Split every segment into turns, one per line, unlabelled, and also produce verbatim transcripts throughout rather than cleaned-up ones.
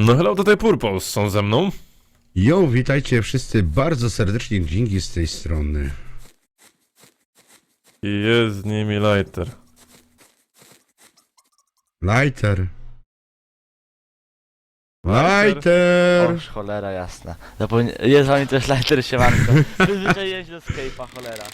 No hello, tutaj Purpose są ze mną.
Jo, witajcie wszyscy bardzo serdecznie, dzięki z tej strony.
I jest z nimi Lighter.
Lighter.
Lighter.
Lighter!
Oż, cholera jasna. Zapomnie... Jest z wami też Lighter, siemanko. Przyzwyczaiłem się do Skype'a, cholera.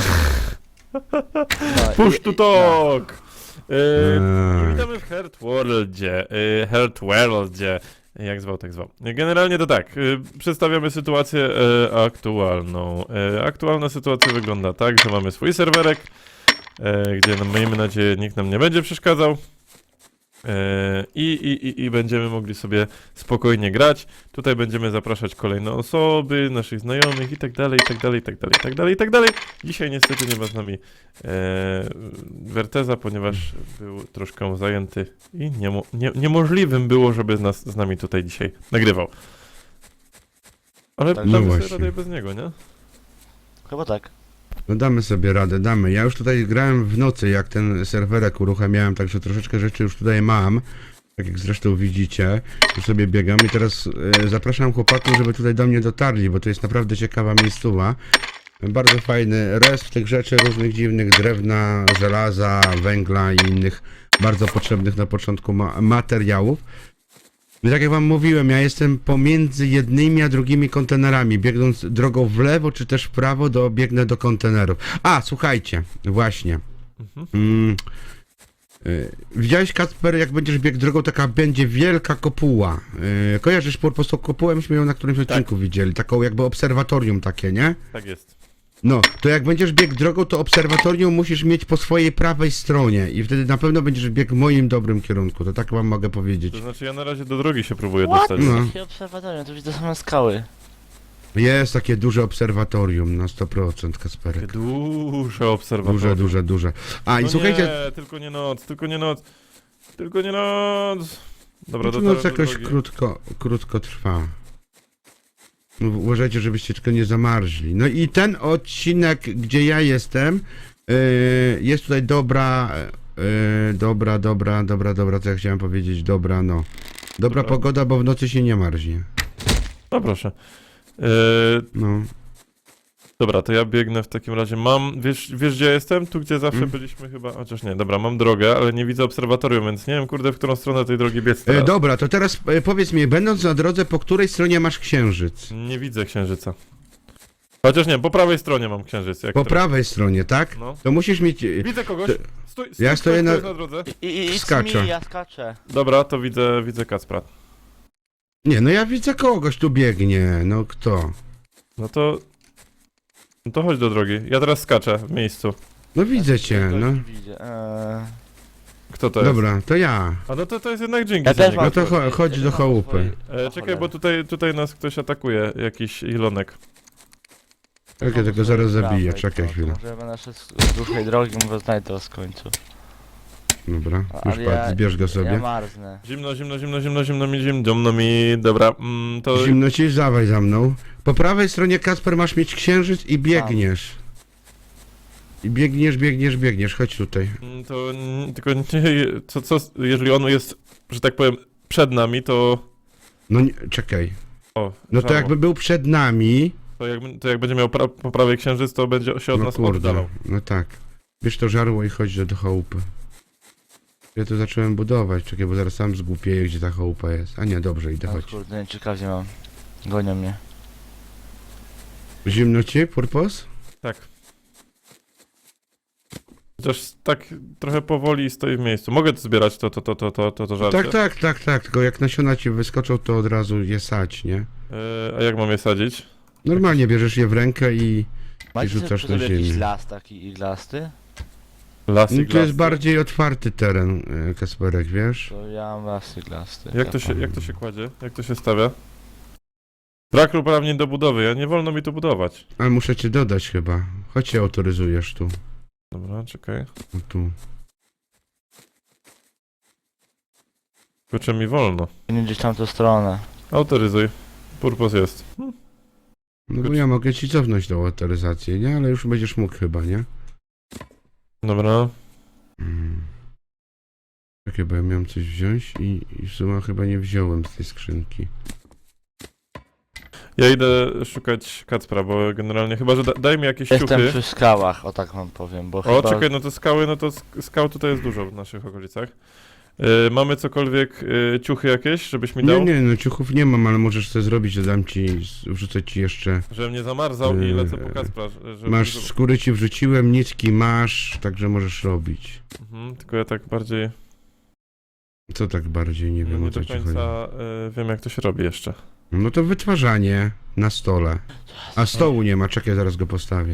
No,
Push
i-
to
i-
talk! Yy,
Eee.
witamy w Heart Worldzie. Yy, Heart Worldzie. Jak zwał, tak zwał. Generalnie to tak, yy, przedstawiamy sytuację yy, aktualną. Yy, aktualna sytuacja wygląda tak, że mamy swój serwerek, yy, gdzie no, miejmy nadzieję nikt nam nie będzie przeszkadzał. Yy, I, i, i, I będziemy mogli sobie spokojnie grać. Tutaj będziemy zapraszać kolejne osoby, naszych znajomych i tak dalej, i tak dalej, i tak dalej, i tak dalej, i tak dalej. Dzisiaj niestety nie ma z nami e, Werteza, ponieważ był troszkę zajęty i niemo, nie, niemożliwym było, żeby z, nas, z nami tutaj dzisiaj nagrywał. Ale
Tak.
No
damy sobie
właśnie.
radę bez niego, nie?
Chyba tak.
No damy sobie radę, damy. Ja już tutaj grałem w nocy, jak ten serwerek uruchamiałem, także troszeczkę rzeczy już tutaj mam. Tak jak zresztą widzicie, już sobie biegam i teraz e, zapraszam chłopaków, żeby tutaj do mnie dotarli, bo to jest naprawdę ciekawa miejscowa. Bardzo fajny rest tych rzeczy różnych dziwnych, drewna, żelaza, węgla i innych bardzo potrzebnych na początku ma materiałów. No tak jak wam mówiłem, ja jestem pomiędzy jednymi a drugimi kontenerami, biegnąc drogą w lewo czy też w prawo, do, biegnę do kontenerów. A, słuchajcie, właśnie.
Mhm.
Mm, y, widziałeś, Kacper, jak będziesz biegł drogą, taka będzie wielka kopuła. Y, kojarzysz po prostu kopułę? Myśmy ją na którymś odcinku widzieli, taką jakby obserwatorium takie, nie?
Tak jest.
No, to jak będziesz biegł drogą, to obserwatorium musisz mieć po swojej prawej stronie i wtedy na pewno będziesz biegł w moim dobrym kierunku, to tak wam mogę powiedzieć.
To znaczy ja na razie do drogi się próbuję
What?
dostać.
No.
Jakie obserwatorium, to widzę same skały.
Jest takie duże obserwatorium na sto procent, Kasperek.
Takie duże obserwatorium.
Duże, duże, duże. A i
No
słuchajcie,
nie, tylko nie noc, tylko nie noc. Tylko nie noc. Dobra,
to
to
noc
teraz do
jakoś
drogi.
krótko, krótko trwa. No, uważajcie, żebyście tylko nie zamarzli. No i ten odcinek, gdzie ja jestem, yy, jest tutaj dobra, yy, dobra, dobra, dobra, dobra, co ja chciałem powiedzieć, dobra, no. Dobra
Dobra.
pogoda, bo w nocy się nie marznie.
No proszę. Yy,
No.
dobra, to ja biegnę w takim razie. Mam, wiesz, wiesz gdzie jestem? Tu gdzie zawsze
Mm.
byliśmy chyba, chociaż nie, dobra, mam drogę, ale nie widzę obserwatorium, więc nie wiem kurde w którą stronę tej drogi biec
E,
teraz.
dobra, to teraz e, powiedz mi, będąc na drodze, po której stronie masz księżyc?
Nie widzę księżyca. Chociaż nie, po prawej stronie mam księżyc. Jak
Po
teraz.
prawej stronie, tak?
No.
To musisz mieć... e,
Widzę kogoś.
To-
Stój, stój,
Ja
stój,
stoję na-
stoisz na drodze.
I, i, i
Skaczę.
mi, ja skaczę.
Dobra, to widzę, widzę Kacpra.
Nie, no ja widzę kogoś, tu biegnie, no kto?
No to... No to chodź do drogi. Ja teraz skaczę w miejscu.
No widzę cię,
Kogoś
no.
nie widzę. Eee...
Kto to jest?
Dobra, to ja.
A no to, to jest jednak dzięki
Ja
za
też
niego.
No to
swoje-
cho- chodź
ja
do
też mam
chałupy.
swoje-
E,
O
czekaj,
cholera.
bo tutaj, tutaj nas ktoś atakuje, jakiś Ilonek.
Czekaj,
Mam
tylko
swoje
zaraz
prawej,
zabiję,
to-
czekaj
to
chwilę.
Może ja będę szedł z dłuższej drogi, może znajdę to z końcu.
Dobra,
Ale
już
ja-
patrz, zbierz go
Ja
sobie.
marznę.
Zimno, zimno, zimno, zimno, zimno mi, zimno mi, dobra, mm, to...
Zimno ci, dawaj za mną. Po prawej stronie, Kasper, masz mieć księżyc i biegniesz. I biegniesz, biegniesz, biegniesz, chodź tutaj.
mm, To mm, tylko nie, co, co, jeżeli on jest, że tak powiem, przed nami, to...
No nie, czekaj.
O,
No to
żało.
jakby był przed nami...
To jak, to jak będzie miał pra, po prawej księżyc, to będzie się od
No
nas
kurde,
oddalał.
no tak. Bierz to żarło i chodź do, do chałupy. Ja to zacząłem budować, czekaj, bo zaraz sam zgłupieję, gdzie ta chałupa jest. A nie, dobrze, idę,
O
chodź.
kurde, nie ciekawie mam. Gonią mnie.
Zimno ci, Purpos?
Tak. Chociaż tak trochę powoli stoi w miejscu. Mogę to zbierać, to, to, to, to, to, to, to żarcie?
Tak, tak, tak, tak, tylko jak nasiona ci wyskoczą, to od razu je sać, nie?
E, a jak mam je sadzić?
Normalnie bierzesz je w rękę i...
Macie
rzucasz
sobie
na
przy sobie jakiś
ziemię.
las taki iglasty?
Lasy,
No, to jest
glasy.
bardziej otwarty teren, e, Kasperek, wiesz?
To ja mam las iglasty.
Jak to, się, jak to się kładzie? Jak to się stawia? Brak uprawnień do budowy, ja nie wolno mi tu budować.
Ale muszę cię dodać chyba. Chodź się autoryzujesz tu.
Dobra, czekaj.
O, tu.
Kurczę mi wolno.
Nie gdzieś tam tą stronę.
Autoryzuj. Purpos jest.
No bo ja mogę ci cofnąć tą autoryzację, nie? Ale już będziesz mógł chyba, nie?
Dobra.
Mm. Czekaj, bo ja miałem coś wziąć i, i w sumie chyba nie wziąłem z tej skrzynki.
Ja idę szukać Kacpra, bo generalnie chyba, że da, daj mi jakieś
Jestem
ciuchy.
przy skałach, o tak wam powiem, bo
O,
chyba...
czekaj, no to skały, no to sk- skał tutaj jest dużo w naszych okolicach. Y, mamy cokolwiek, y, ciuchy jakieś, żebyś mi dał?
Nie, nie, no ciuchów nie mam, ale możesz to zrobić, że dam ci, wrzucę ci jeszcze.
Żebym nie zamarzał i
Yy,
lecę po Kacpra. Żeby,
Masz
żeby...
skóry ci wrzuciłem, nitki masz, także możesz robić.
Mhm, tylko ja tak bardziej,
Co tak bardziej, nie
no
wiem
nie
o co
do
ci chodzi.
końca y, wiem jak to się robi jeszcze.
No to wytwarzanie na stole. A stołu nie ma, czekaj, zaraz go postawię.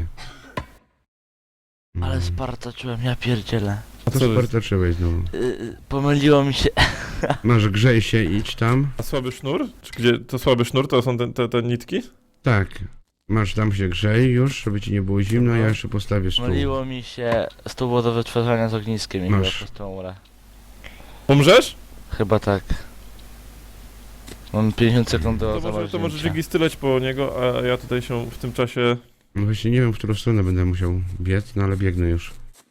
Ale
Mm.
spartaczyłem, ja pierdzielę.
A to
co jest?
spartaczyłeś znowu.
Yy, pomyliło mi się...
Masz, grzej się, idź tam.
A słaby sznur? Czy gdzie to słaby sznur, to są te, te, te nitki?
Tak. Masz tam się grzej już, żeby ci nie było zimno,
Dobra.
ja jeszcze postawię stół.
Pomyliło mi się stół było do wytwarzania z ogniskiem i
Masz.
chyba po prostu umrę.
Umrzesz?
Chyba tak. Mam pięćdziesiąt sekund do
To może, to może
zamarznięcia.
Jiggy styleć po niego, a ja tutaj się w tym czasie...
No właśnie nie wiem, w którą stronę będę musiał biec, no ale biegnę już.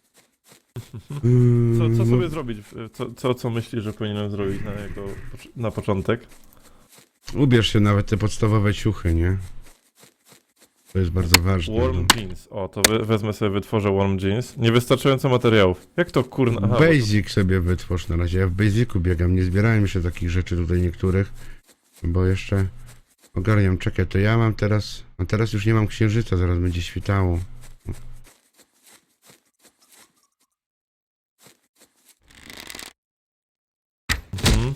Mm,
Co, co
no,
sobie zrobić? Co, co, co myślisz, że powinienem zrobić na, jego, na początek?
Ubierz się nawet te podstawowe ciuchy, nie? To jest bardzo ważne.
Warm
no.
jeans. O, to we, wezmę sobie, wytworzę warm jeans. Niewystarczająco materiałów. Jak to kurna? Aha, bo to-
Basic sobie wytwórz na razie. Ja w Basicu biegam, nie zbierałem jeszcze takich rzeczy tutaj niektórych, bo jeszcze ogarniam. Czekaj, to ja mam teraz... A teraz już nie mam księżyca, zaraz będzie świtało.
Mhm.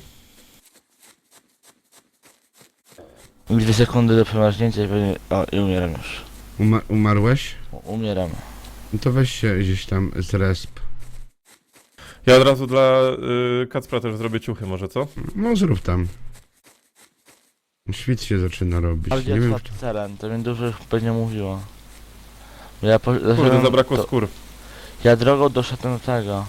Dwie sekundy do przemarznięcia i pewnie... O, i umieram już.
Uma umarłeś?
U- Umieram.
No to weź się gdzieś tam z resp.
Ja od razu dla y, Kacpra też zrobię ciuchy może, co?
No zrób tam. Świt się zaczyna robić.
Ale
Nie wiem,
gdzie teren, to mi dużo pewnie mówiło. Bo Ja, po,
Kurde,
zacząłem-
zabrakło
to,
skór.
Ja drogą doszedłem do tego.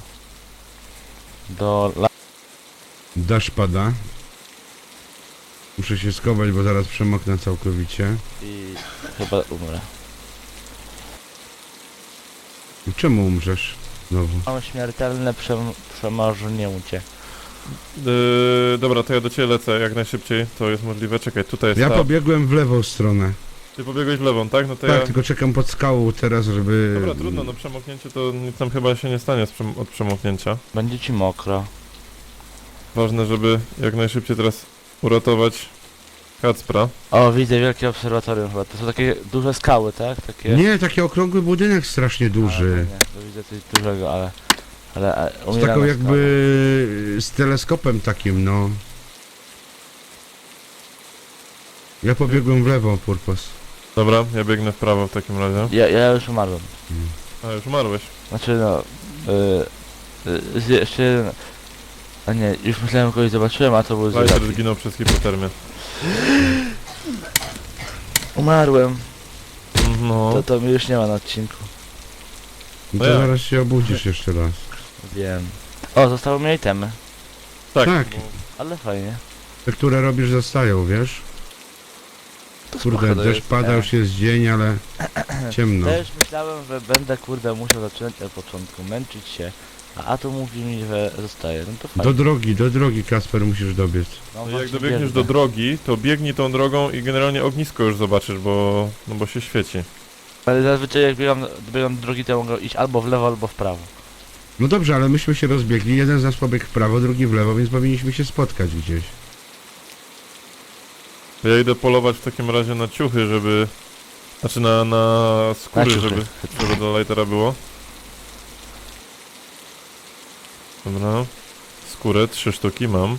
Do la...
deszcz pada. Muszę się schować, bo zaraz przemoknę całkowicie.
i chyba umrę.
Czemu umrzesz? Znowu.
Mam śmiertelne przem przemarznięcie.
Yy, dobra, to ja do ciebie lecę jak najszybciej. To jest możliwe. Czekaj, tutaj jest
Ja
ta...
pobiegłem w lewą stronę.
Ty pobiegłeś w lewą, tak? No to
Tak,
ja...
tylko czekam pod skałą teraz, żeby...
Dobra, trudno, no przemoknięcie to nic tam chyba się nie stanie z przem od przemoknięcia.
Będzie ci mokro.
Ważne, żeby jak najszybciej teraz uratować Kacpra.
O, widzę wielkie obserwatorium chyba. To są takie duże skały, tak? Takie...
Nie, taki okrągły budynek strasznie
Ale
duży.
to nie, to widzę coś dużego, ale... Ale... ale
Z
umieram
taką
na
jakby... z teleskopem takim, no. Ja pobiegłem w lewo, Purpos.
Dobra, ja biegnę w prawo w takim razie.
skałach. Ja, ja już umarłem.
A, już umarłeś.
Znaczy no... Yy, yy, jeszcze jeden... A nie, już myślałem kogoś zobaczyłem, a to był
Lighter
Zylaki.
zginął przez hipotermię.
Umarłem.
No.
To, to mi już nie ma na odcinku.
No
No
to
jak?
zaraz się obudzisz jeszcze raz.
Wiem. O, zostały mi itemy.
Tak.
Tak.
bo-
Ale fajnie.
Te, które robisz, zostają, wiesz?
To
Kurde,
spoko to
deszcz
jest,
pada,
e.
już jest dzień, ale ciemno.
Też myślałem, że będę kurde musiał zacząć od początku, męczyć się. A, a tu mówi mi, że zostaje. No to fajnie.
Do drogi, do drogi, Kasper, musisz dobiec.
No,
No jak
właśnie
dobiegniesz
biegnę.
do drogi, to biegnij tą drogą i generalnie ognisko już zobaczysz, bo... no bo się świeci.
Ale zazwyczaj jak biegam, biegam do drogi, to mogę iść albo w lewo, albo w prawo.
No dobrze, ale myśmy się rozbiegli, jeden z nas pobiegł w prawo, drugi w lewo, więc powinniśmy się spotkać gdzieś.
Ja idę polować w takim razie na ciuchy, żeby... Znaczy na, na skóry,
Na ciuchy.
żeby, żeby do lightera było. Dobra. Skórę, trzy sztuki mam.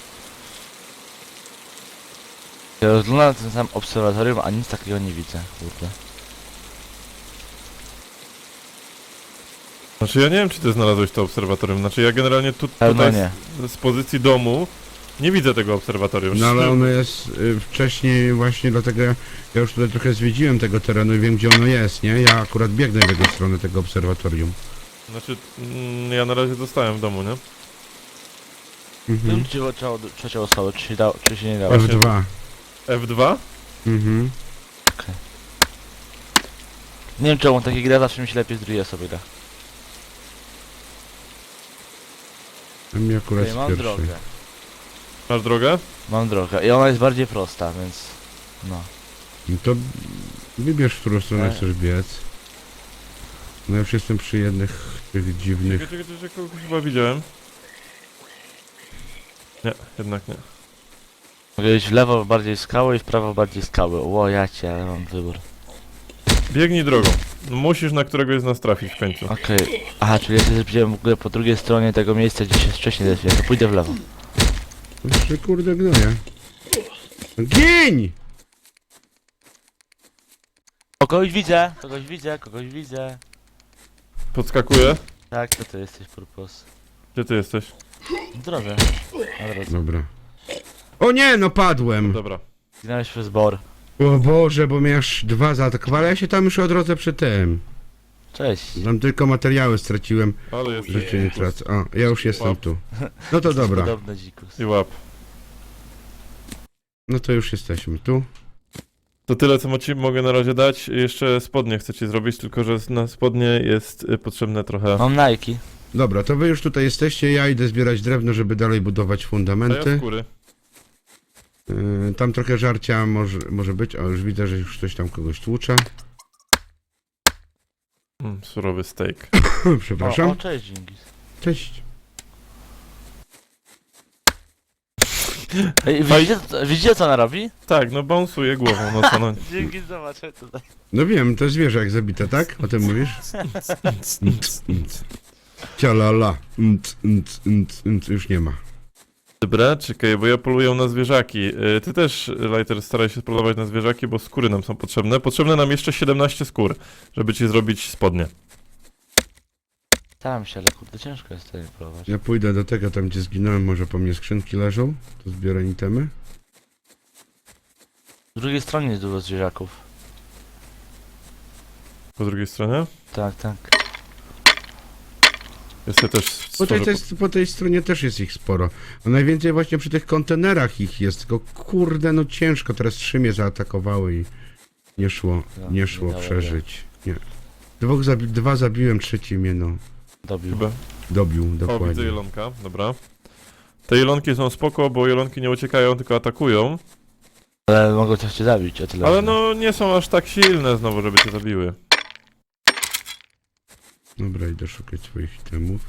Ja rozglądam ten sam obserwatorium, a nic takiego nie widzę, kurde.
Znaczy ja nie wiem, czy ty znalazłeś to obserwatorium. Znaczy ja generalnie tu,
Pewno
tutaj
nie.
z, z pozycji domu nie widzę tego obserwatorium.
No ale ono jest y, wcześniej właśnie, dlatego ja, ja już tutaj trochę zwiedziłem tego terenu i wiem, gdzie ono jest, nie? Ja akurat biegnę w jego stronę tego obserwatorium.
Znaczy mm, ja na razie zostałem w domu, nie?
Mhm.
Wiem, czy trzeba trzecią osobę, czy się, dało, czy się nie dało.
F dwa.
F dwa?
Mhm.
Nie wiem czemu, takie gry zawsze mi się lepiej z drugiej osoby gra.
A mi akurat
Okej,
z
mam
pierwszej.
drogę.
Masz drogę?
Mam drogę i ona jest bardziej prosta, więc... No.
No to wybierz, w którą stronę
E.
chcesz biec. No ja już jestem przy jednych tych dziwnych...
Czekaj, czekaj, czekaj, kogoś chyba widziałem. Nie, jednak nie.
Mogę iść w lewo bardziej skały i w prawo bardziej skały. Ło, ja cię, ale mam wybór.
Biegnij drogą. Musisz na któregoś z nas trafić w końcu.
Okej. Aha, czyli ja się zbliżyłem w ogóle po drugiej stronie tego miejsca, gdzie się wcześniej zeszłem. To pójdę w lewo.
Jeszcze kurde gnoja. No Gień!
O, kogoś widzę, kogoś widzę, kogoś widzę.
Podskakuję.
Tak, to ty jesteś, Purpos.
Gdzie ty jesteś?
W drodze. Na drodze.
Dobra. O nie, no padłem!
Dobra.
Zginąłeś przez bor.
O Boże, bo mnie aż dwa zaatakowały, ale ja się tam już odrodzę przy tym.
Cześć.
Tam tylko materiały straciłem,
Ale jest.
życie nie tracę. O, ja już jestem
Łap.
tu. No to dobra,
Podobny dzikus.
I łap.
no to już jesteśmy tu.
To tyle, co ci mogę na razie dać. Jeszcze spodnie chcę ci zrobić, tylko że na spodnie jest y, potrzebne trochę...
Mam Nike.
Dobra, to wy już tutaj jesteście, ja idę zbierać drewno, żeby dalej budować
A ja
fundamenty.
skóry.
Yy, tam trochę żarcia może, może być, o już widzę, że już ktoś tam kogoś tłucze.
Mm, surowy steak.
O,
Przepraszam.
o, cześć, Dżingis.
Cześć.
Ej, widzicie, co- widzicie co ona robi?
Tak, no bąsuje głową, no co no.
Dżingis, zobacz tutaj.
No wiem, to zwierzę jak zabite, tak? O tym mówisz? Cialala. Nt, nt, nt, nt, już nie ma.
Dobra, czekaj, bo ja poluję na zwierzaki. Y, Ty też, Lighter, staraj się polować na zwierzaki, bo skóry nam są potrzebne. Potrzebne nam jeszcze siedemnaście skór, żeby ci zrobić spodnie.
Staram się, ale kurde, ciężko jest tutaj próbować.
Ja pójdę do tego, tam gdzie zginąłem, może po mnie skrzynki leżą. To zbiorę itemy.
Z drugiej stronie jest dużo zwierzaków.
Po drugiej stronie?
Tak, tak.
Jest ja też
Po tej,
stworzę...
tej, po tej stronie też jest ich sporo. A najwięcej właśnie przy tych kontenerach ich jest. Tylko kurde, no ciężko. Teraz trzy mnie zaatakowały i nie szło,
No,
nie
nie
szło
dało
przeżyć. Nie. Dwóch zabi dwa zabiłem, trzeci mnie no
Dobił.
Chyba.
dobił,
O, widzę
dokładnie.
jelonka, dobra. Te jelonki są spoko, bo jelonki nie uciekają, tylko atakują.
Ale mogą coś cię zabić, o tyle.
Ale
wiem.
no, nie są aż tak silne znowu, żeby cię zabiły.
Dobra, idę szukać swoich itemów.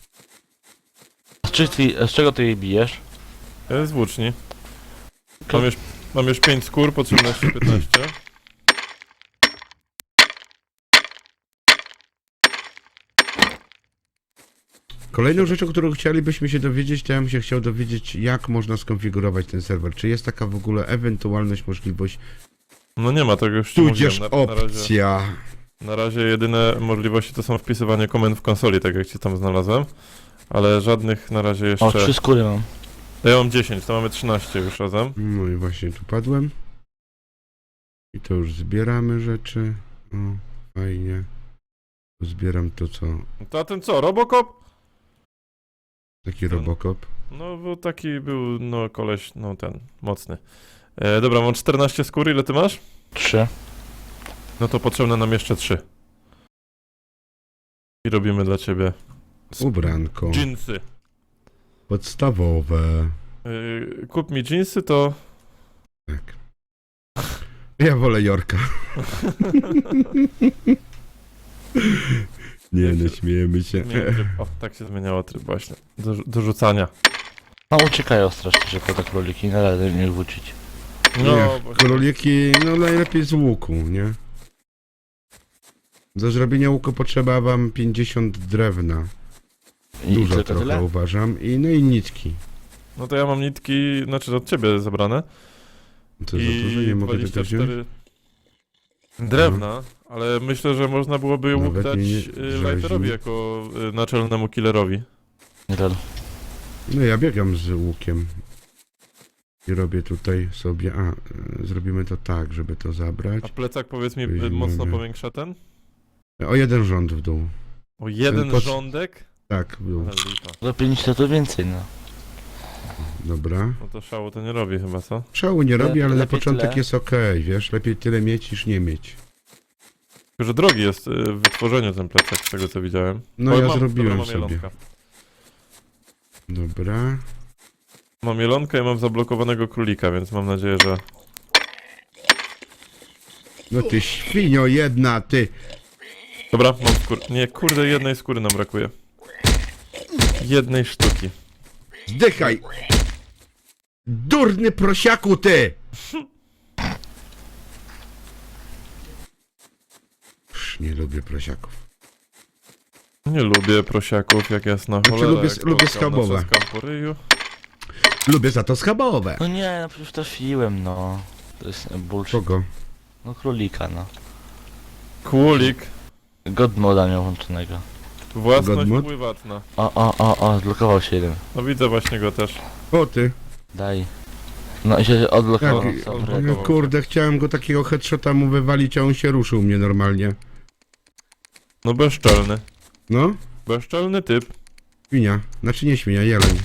Z, czy ty, z czego ty jej bijesz?
E, Z włóczni. Mam już, mam już pięć skór, potrzebne jeszcze piętnaście.
Kolejną rzeczą, którą chcielibyśmy się dowiedzieć, to ja bym się chciał dowiedzieć, jak można skonfigurować ten serwer. Czy jest taka w ogóle ewentualność, możliwość,
No nie ma tego już ci
tudzież
mówiłem. Na, na, razie,
opcja.
na razie jedyne możliwości to są wpisywanie komend w konsoli, tak jak cię tam znalazłem. Ale żadnych na razie jeszcze...
O, trzy skóry mam.
Ja mam dziesięć, to mamy trzynaście już razem.
No i właśnie tu padłem. I to już zbieramy rzeczy. O, fajnie. Tu zbieram to, co...
To a ten co, Robocop?
Taki
Ten.
Robocop.
No był taki, był no koleś, no ten, mocny. E, dobra, mam czternaście skór, ile ty masz?
Trzy.
No to potrzebne nam jeszcze trzy. I robimy dla ciebie
Ubranko.
dżinsy.
Podstawowe.
E, kup mi dżinsy, to...
Tak. Ja wolę Jorka. Nie, no śmiejemy się.
Zmień tryb. O, tak się zmieniało tryb właśnie. Do, do rzucania.
No uciekają strasznie szybko te króliki, należy nie wrócić.
No,
Nie,
właśnie.
króliki, no najlepiej z łuku, nie? Do zrobienia łuku potrzeba wam pięćdziesiąt drewna.
I
Dużo
tylko
trochę
tyle?
uważam. I no i nitki.
No to ja mam nitki, znaczy od ciebie zabrane.
To za dużo, nie mogę tego
dwadzieścia
wziąć?
cztery drewna, ale myślę, że można byłoby łuk
Nawet
dać
mi nie
y,
żazi.
Lighterowi jako y, naczelnemu killerowi.
Nie wiem.
No ja biegam z łukiem. I robię tutaj sobie... A, y, zrobimy to tak, żeby to zabrać.
A plecak, powiedz mi, y,
Weźmiemy.
mocno powiększa ten?
O jeden rząd w dół.
O jeden
pod-
rządek?
Tak, w dół.
Ale lipa.
Za pięć to więcej, no.
Dobra.
No to szału to nie robi chyba, co?
Szału nie robi, ale na
lepiej
początek
tyle.
jest okej, wiesz? Lepiej tyle mieć niż nie mieć.
Tylko, że drogi jest y, w wytworzeniu ten plecak, z tego co widziałem.
No
O,
ja
mam,
zrobiłem
dobra, mam
sobie.
jelonka.
Dobra.
Mam jelonkę i mam zablokowanego królika, więc mam nadzieję, że...
No ty świnio jedna, ty.
Dobra, mam skór... Nie, kurde, jednej skóry nam brakuje. Jednej sztuki.
Zdychaj! Durny prosiaku, ty! Już nie lubię prosiaków.
Nie lubię prosiaków, jak jasna
Znaczy,
cholera.
lubię-
jak
lubię
kołkam na
schabowe.
trzaskam po ryju.
Lubię za to schabowe.
No nie, no przecież trafiłem, no. To jest bullshit.
Kogo?
No królika, no.
Królik.
Godmoda miał włączonego.
Własność
Godmod?
pływatna.
O, o, o, o, zblokował się jeden.
No widzę właśnie go też.
O ty.
Daj. No i się odblokował.
Jaki-
co,
on-
wred-
No, kurde, chciałem go takiego headshota mu wywalić, a on się ruszył mnie normalnie.
No bezczelny.
No?
Bezczelny typ.
Świnia. Znaczy nie świnia, jeleń.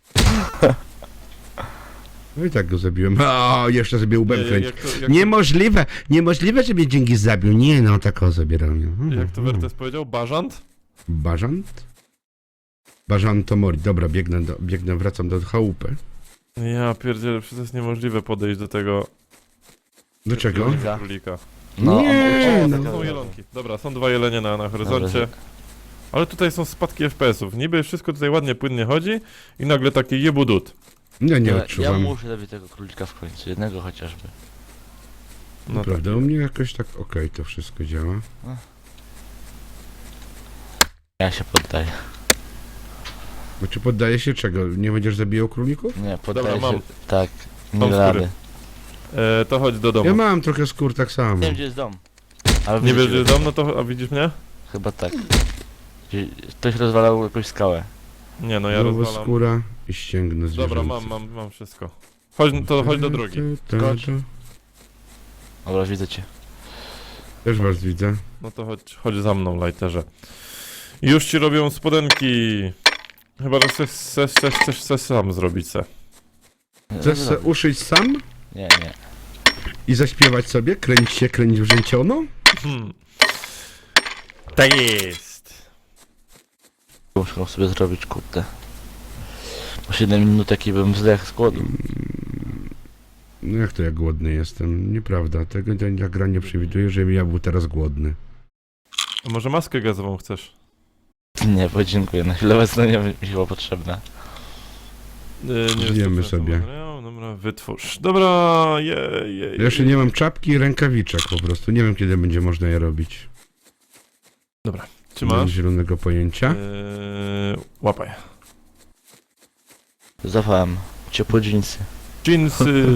No i tak go zabiłem. O, jeszcze sobie łbem
Nie,
kręci.
jak to, jak,
Niemożliwe, niemożliwe, że mnie dzięki zabił. Nie no, tak o zabierał mnie.
to, jak to Wertes powiedział? Bażant?
Bażant? Bażant to mori. Dobra, biegnę, do, biegnę, wracam do chałupy.
Ja pierdzielę, przecież to jest niemożliwe podejść do tego...
Do czego?
Królika.
Królika.
No,
Nie,
o,
no.
taka-
Są jelonki. Dobra, są dwa jelenie na, na horyzoncie.
Dobra.
Ale tutaj są spadki F P S ów. Niby wszystko tutaj ładnie, płynnie chodzi i nagle taki jebudut.
Ja nie
Ja, ja
odczuwam.
muszę zabić tego królika w końcu, jednego chociażby.
No
Naprawdę, u mnie jakoś tak okej to wszystko działa.
Ja się poddaję.
Bo czy poddaje się czego? Nie będziesz zabijał królików?
Nie, poddaję
Dobra,
się.
mam.
Tak, nie
Mam
da
skóry.
rady.
E, to chodź do domu.
Ja mam trochę skór tak samo.
Nie wiem gdzie jest dom. Ale
Nie
widzę
wiesz,
cię.
że jest dom, no to... A widzisz mnie?
Chyba tak. Gdzie- Ktoś rozwalał jakąś skałę.
Nie, no ja
Znowu
rozwalam.
skóra i ścięgnę zwierzęce.
Dobra, mam, mam, mam wszystko. Chodź, to chodź do drogi.
Skocz. Dobra, widzę cię.
Też was widzę.
No to chodź, chodź za mną, lighterze. Już ci robią spodenki. Chyba, że chcesz, chcesz, chcesz, chcesz, chcesz sam zrobić se.
Chcesz se uszyć sam
Nie, nie.
i zaśpiewać sobie? Kręć się, kręć wrzęciono?
Hmm. Tak jest.
Muszę sobie zrobić, kurde. Po siedem minut jaki bym zdechł z głodu.
No jak to ja głodny jestem? Nieprawda. Tego ta gra nie przewiduje, żebym ja był teraz głodny.
A może maskę gazową chcesz?
Nie, podziękuję. Na chwilę obecną nie mi chyba potrzebna.
Yy,
Zjemy
jest to
sobie.
materiał. Dobra, wytwórz. Dobra, jej, jej.
Ja jeszcze nie mam czapki i rękawiczek po prostu. Nie wiem kiedy będzie można je robić.
Czy
Nie mam
masz?
zielonego pojęcia.
Yy, łapaj.
Zawałem. Ciepłe dżinsy.
Jeansy.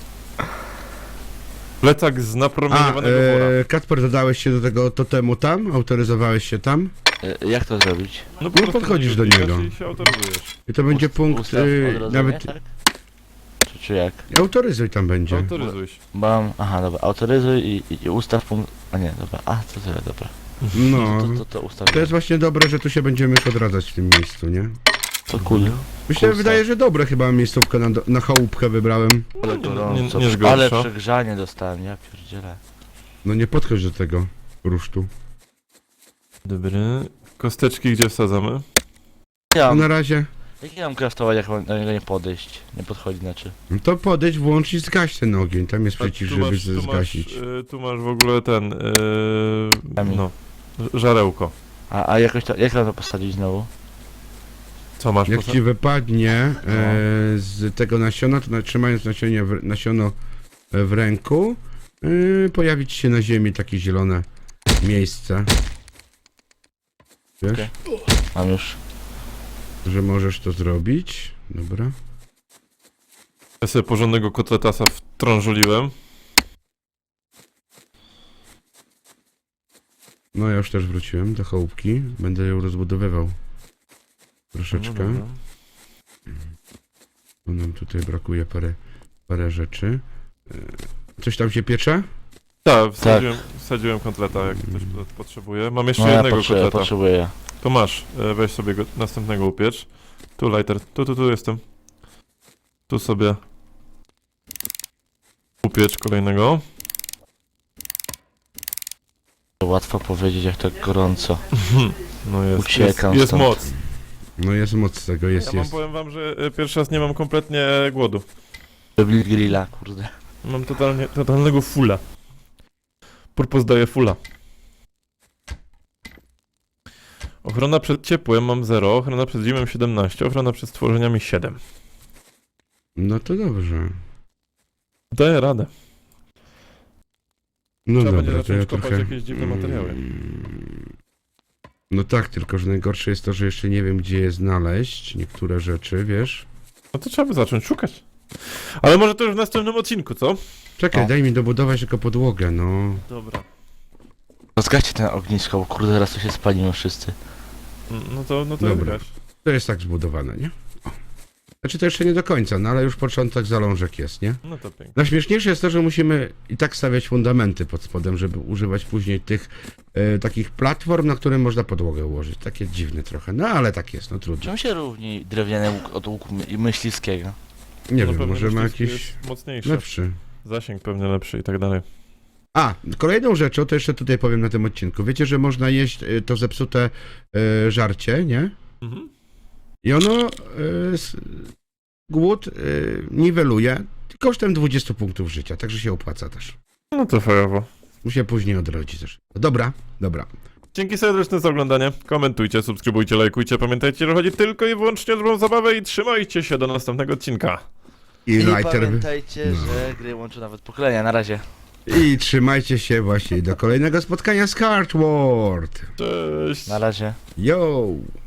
Plecak z
A,
napromieniowanego wora.
e, Kacper, dodałeś się do tego totemu tam? Autoryzowałeś się tam?
E, jak to zrobić?
No, po
no
prostu
podchodzisz do
klikasz
niego.
I się autoryzujesz.
I to będzie
Ust-
punkt,
ustaw
y,
odrodzenie,
nawet
tak? Czy, czy jak?
autoryzuj tam będzie.
Autoryzuj się.
Mam... Aha, dobra. Autoryzuj i, i, i ustaw punkt... A nie, dobra. A, to tyle, dobra.
No,
To, to, to ustaw.
to jest właśnie dobre, że tu się będziemy już odradzać w tym miejscu, nie?
To cool.
Mi się
Kursa.
wydaje, że dobre chyba miejscówkę na, do- na chałupkę wybrałem.
Ale
Nie,
gorąco.
nie zgorsza.
Ale przegrzanie dostałem, ja pierdzielę.
No nie podchodź do tego rusztu.
Dobry. Kosteczki gdzie wsadzamy?
Ja
No
mam,
na razie,
jak ja mam craftować, jak mam do niego nie podejść? Nie podchodzi, znaczy.
no to podejdź, włącz i zgaś ten ogień. Tam jest
A
przycisk,
tu
żeby
masz, tu
zgasić.
Masz, y, tu masz w ogóle ten... Y,
Kamień.
no. ż- Żarełko.
A, a jakoś to... Jak mam to postawić znowu?
Co masz?
Jak
poza-
ci wypadnie e, z tego nasiona, to na- trzymając nasionie w, nasiono w ręku, e, pojawi ci się na ziemi takie zielone miejsce. Wiesz,
Okej. Mam już.
że możesz to zrobić. Dobra.
Ja sobie porządnego kotletasa wtrążuliłem.
No ja już też wróciłem do chałupki. Będę ją rozbudowywał. Troszeczkę.
No dobra.
Bo nam tutaj brakuje parę, parę rzeczy. E, Coś tam się piecze?
Tak, wsadziłem, wsadziłem kotleta, jak ktoś pot- potrzebuje. Mam jeszcze
No ja
jednego
potrzebuję,
kotleta.
potrzebuję.
To masz, e, weź sobie go, następnego upiecz. Tu lighter, tu, tu, tu jestem. Tu sobie upiecz kolejnego.
Łatwo powiedzieć, jak tak gorąco.
No jest,
Uciekam
jest, jest
stąd.
moc.
No jest moc z tego, jest,
Ja mam,
jest.
powiem wam, że e, pierwszy raz nie mam kompletnie głodu.
Robili grilla, kurde.
Mam totalnie, totalnego fulla. Purpos daje fulla. Ochrona przed ciepłem mam zero, ochrona przed zimem siedemnaście, ochrona przed stworzeniami siedem.
No to dobrze.
Daję radę.
No
Trzeba będzie
dobra, to ja
zacząć kopać
trochę...
jakieś dziwne materiały.
Mm. No tak, tylko że najgorsze jest to, że jeszcze nie wiem, gdzie je znaleźć, niektóre rzeczy, wiesz?
No to trzeba by zacząć szukać. Ale może to już w następnym odcinku, co?
Czekaj,
O.
daj mi dobudować tylko podłogę, no.
Dobra.
Zgaście ten ognisko, bo kurde, zaraz tu się spalimy wszyscy.
No to, no to
Dobra.
gaś.
To jest tak zbudowane, nie? O. Znaczy to jeszcze nie do końca, no ale już początek zalążek jest, nie?
No to pięknie.
Najśmieszniejsze jest to, że musimy i tak stawiać fundamenty pod spodem, żeby używać później tych e, takich platform, na które można podłogę ułożyć. Takie dziwne trochę, no ale tak jest, no trudno.
Czym się różni drewniany łuk od łuku my- myśliwskiego?
Nie
No
wiem,
pewnie
może ma
myśliwski
jakiś
jest mocniejszy.
lepszy.
Zasięg pewnie lepszy i tak dalej.
A, kolejną rzeczą, to jeszcze tutaj powiem na tym odcinku. Wiecie, że można jeść e, to zepsute e, żarcie, nie?
Mhm.
I ono e, s, głód e, niweluje kosztem dwudziestu punktów życia, także się opłaca też.
No to fajowo.
Musi się później odrodzić też. Dobra, dobra.
Dzięki serdeczne za oglądanie. Komentujcie, subskrybujcie, lajkujcie. Pamiętajcie, że chodzi tylko i wyłącznie o dobrą zabawę i trzymajcie się do następnego odcinka.
I,
I
lighter...
pamiętajcie,
no.
że gry łączą nawet pokolenia. Na razie.
I trzymajcie się właśnie do kolejnego spotkania z Cardboard.
Cześć!
Na razie.
Yo!